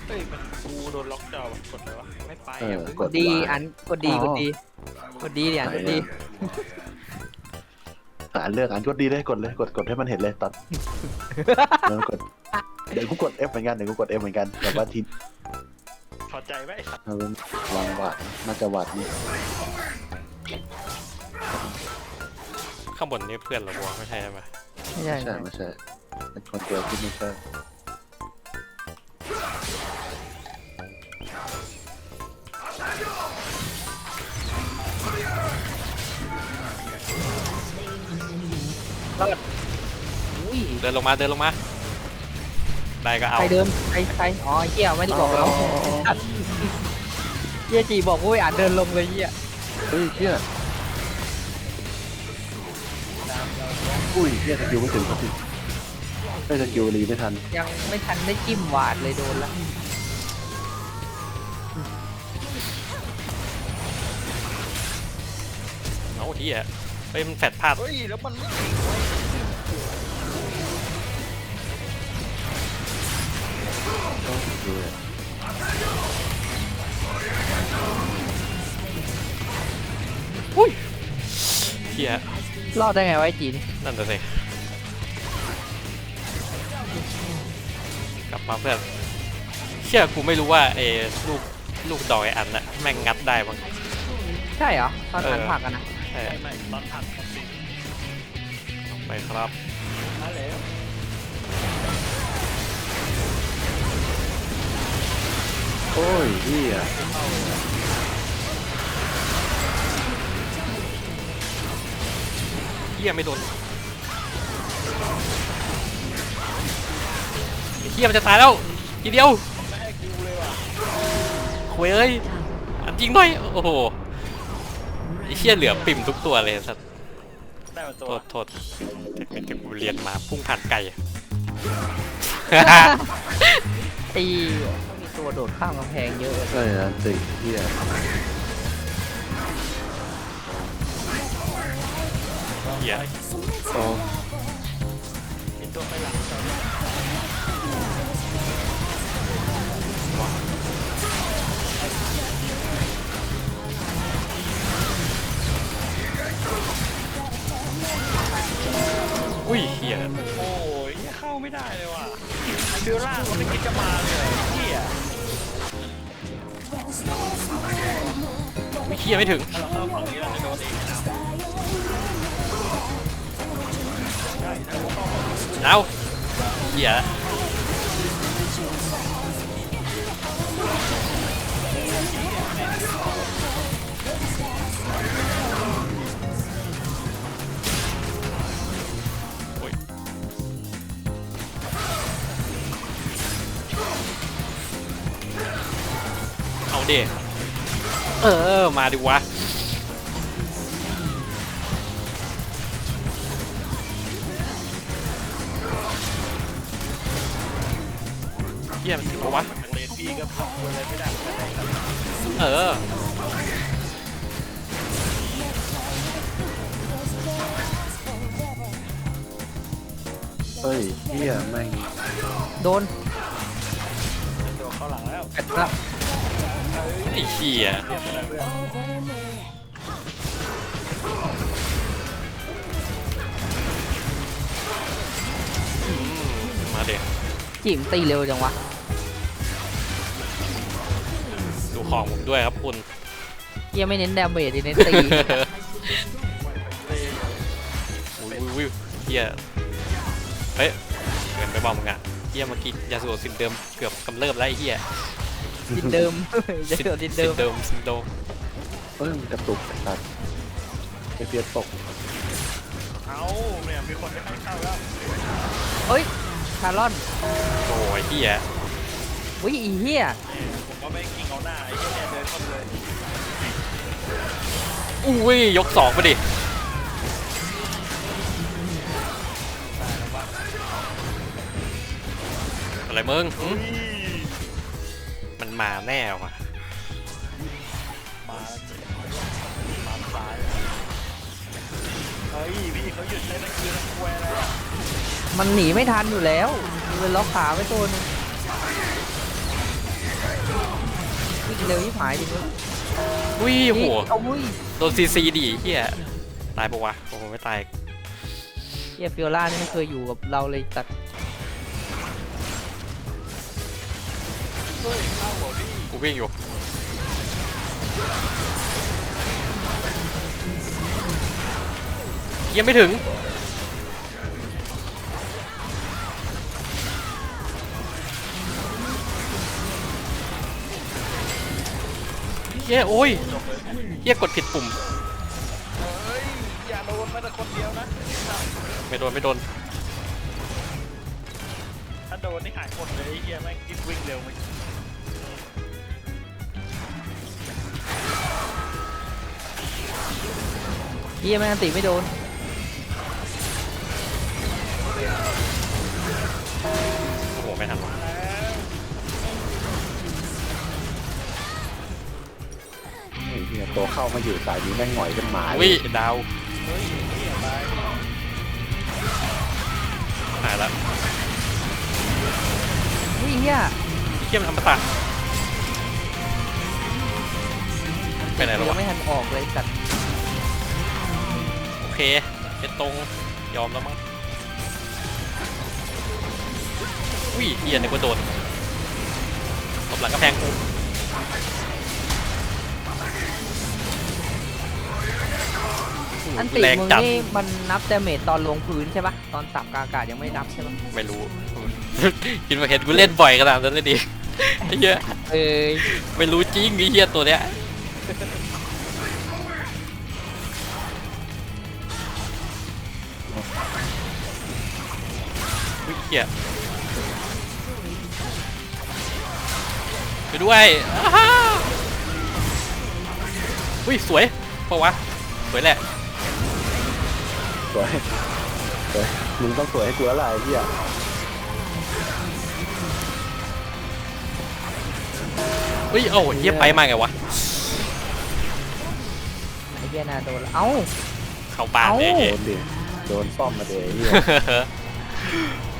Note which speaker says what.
Speaker 1: เฮ้ยมันกูโดนล็อกจอกดเลยวะไม่ไป
Speaker 2: กดดีอันกดดีกดดีกดดีดิอันกดดี
Speaker 3: อ่านเลือกอ่านกดดีเลยกดเลยกดให้มันเห็นเลยตัดแล้วกดเดี๋ยวกูกด F เหมือนกันแบบว่าที
Speaker 1: พอใจไหม
Speaker 3: เอาเป็นวางวัดน่าจะวัดนี่
Speaker 4: ข้างบนนี่เพื่อนเราบัวไม่ใช่ไหม
Speaker 2: ไม่ใช่
Speaker 3: ไม่ใช่เป็นคนเดียวที่ไม่ใช่
Speaker 2: อุ้ย
Speaker 4: เดินลงมาได้ก็เอา
Speaker 2: ใครเดินใครอ๋อเหี้ยไม่ได้บอกเราเหี้ยจีบอกว่าอ่านเดินลงเลยเหี้ย
Speaker 3: เฮ้ยเชี่ยอุ้ยเชี่ยสกิลไม่ถึงสักทีไม่สกิลรีไม่ทัน
Speaker 2: ยังไม่ทันได้จิ้มหวาดเลยโดนละ
Speaker 4: เอาที่อ่ะเฮ้ยมันแฟดพลาด
Speaker 1: เฮ้ยแล้วมันไม่ถึงเว้ย
Speaker 4: เฮีย
Speaker 2: รอดได้ไงวะไอ้จีนี่
Speaker 4: นั่นน่ะสิกลับมาเพื่อนเชื่อกูไม่รู้ว่าไอ้ลูกดอยอันน่ะแม่งงัดได้บ้าง
Speaker 2: ใช่เหรอตอนอ่านผักกันนะ
Speaker 4: ใช่
Speaker 1: ไม่ตอนผัดมันติด
Speaker 4: ไปครับ
Speaker 1: มาแล้ว
Speaker 3: โอ้ยเฮีย
Speaker 4: เฮียไม่โดนเฮียมันจะตายแล้วทีเดียว
Speaker 1: ไม่ให้กูเลยว่ะ
Speaker 4: โว้ยเอ้ยอันจริงหน่อยโอ้โหไอ้เฮียเหลือปิ่มทุกตัวเลยสัตว์
Speaker 1: ได้มาตัว
Speaker 4: โทษเทคนิคที่กูเรียนมาพุ่งผ่านไก่
Speaker 2: ตีต้องมีตัวโดดข้ามกำแพงเยอะเลย
Speaker 3: ใช่นะติเฮีย
Speaker 4: เฮีย
Speaker 3: โอ้
Speaker 1: มีตัวไปหลังจอ
Speaker 4: อุ้ยเฮีย
Speaker 1: โอ้ยเข้าไม่ได้เลยว่ะเดือร่างมันไม่คิดจะมาเลยไอ้เหี้ย
Speaker 4: ไม่เฮียไม่ถึง
Speaker 1: ถ้าเราเข้าฝั่งนี้เราจะโดนเองนะ
Speaker 4: เอาเฮียโอ้ยเอาดิมาดิวะเฮียมันถึงปะวะ
Speaker 1: จากเลนบีก็ทำอะไรไม่ได้เหมือนกัน
Speaker 4: เออ
Speaker 3: เฮ้ยเฮียแม่ง
Speaker 2: โดน
Speaker 1: ตัวเข้าหลังแล้ว
Speaker 2: กัดละ
Speaker 4: ไอ้เหี้ยมาเด็ก
Speaker 2: จิ๋มตีเร็วจังวะ
Speaker 4: ดูของผมด้วยครับคุณ
Speaker 2: เหี้ยไม่เน้นดาเมจเน้นตี
Speaker 4: อุ้ยเหี้ยเฮ้ยเกินไปบอกมึงอ่ะเหี้ยเมื่อกี้ยาสูบซินเดิมเกือบกำเริบแล้วไอ้เหี้ย
Speaker 2: ดินเดิมจะเกิดดินเดิม
Speaker 4: ซินโดม
Speaker 3: เฮ้ยมันกระตุกตัดไอเพียตก
Speaker 1: เอาเนี่ยมีคนไม่ให้เข้าแล้ว
Speaker 2: เฮ้ยคาร์ลอน
Speaker 4: โอ้ยเหี้ย
Speaker 2: วิอีเหี้ย
Speaker 1: ผมก็ไม่กิ้งเอาหน้าไอ้เหี้ยเนี่ยเดินเข้าเลย
Speaker 4: อุ้ยยกสองไปดิอะไรมึงหึมันมาแน่ว่ะ
Speaker 1: มาซ้ายเฮ้ยพี่เขาหยุดเลยนะคือนักแวร์แล้ว
Speaker 2: มันหนีไม่ทันอยู่แล้วมันล็อกขาไว้ตัวนึงเร็วที่หายดิ
Speaker 4: อุ้ยโห
Speaker 2: เอาอุ้ย
Speaker 4: โดนซีซีดิเฮียตายปะวะโอ้โหไม่ตาย
Speaker 2: เฮียฟิโอล่านี่ไม่เคยอยู่กับเราเลยตัด
Speaker 1: เฮ้ยเข้าหัวพี่
Speaker 4: กูวิ่งอยู่ยังไม่ถึงเฮียโอ้ยเฮียกดผิดปุ่ม
Speaker 1: เฮ้ยอย่าโดนแม้แต่คนเดียวนะ
Speaker 4: ไม่โดนไม่โดน
Speaker 1: ถ้าโดนนี่หายหมดเลยไอ้เฮียแม่งยิ่งวิ่งเร็วมัน
Speaker 2: เฮียแม่งอันติไม่โดน
Speaker 4: โอ้โหไม่ทันวะ
Speaker 3: ไอ้เนี่ยตัวเข้ามาอยู่สายนี้แม่งหงอยเป็นหมา
Speaker 4: อุ้ยดาว
Speaker 1: เฮ้ยเฮียตาย
Speaker 4: หายแล้ว
Speaker 2: อุ้ยเฮีย
Speaker 4: เฮียมันทำประสาทไปไหนแล้ว
Speaker 2: ยัง
Speaker 4: วะ
Speaker 2: ไม่ทันออกเลยตัด
Speaker 4: โอเคเป็นตรงยอมแล้วมั้งอุ้ยเฮียนึกว่าโดนตบหลังกระแพงกู
Speaker 2: อันติ
Speaker 4: แรง
Speaker 2: มึง
Speaker 4: จัด
Speaker 2: นี่มันนับดาเมจตอนลงพื้นใช่ปะตอนสับกลางอากาศยังไม่นับใช่ปะ
Speaker 4: ไม่รู้ คิดว่าเห็นกูเล่นบ่อยขนาดนั้นเลยดิไอ้เหี้ย
Speaker 2: เอ้ย
Speaker 4: ไม่รู้จริงไอ้เหี้ยตัวเนี้ยอุ้ยเหี้ยไปด้วยอ้าฮ่าอุ้ยสวยเพราะวะสวยแหละ
Speaker 3: สวยสวยมึงต้องสวยให้กูแล้วล่ะไอ้เหี้ย
Speaker 4: อุ้ยเอ้าเหี้ยไปมาไงวะ
Speaker 2: ไอ้เฮียน่าโดนแล้วเอ้า
Speaker 4: เข้าบ้านเนี่ย
Speaker 2: เอ้า
Speaker 4: เหี้
Speaker 3: โด
Speaker 4: ย
Speaker 3: นดิโดนป้อมมาเดยไอ้เหี้ย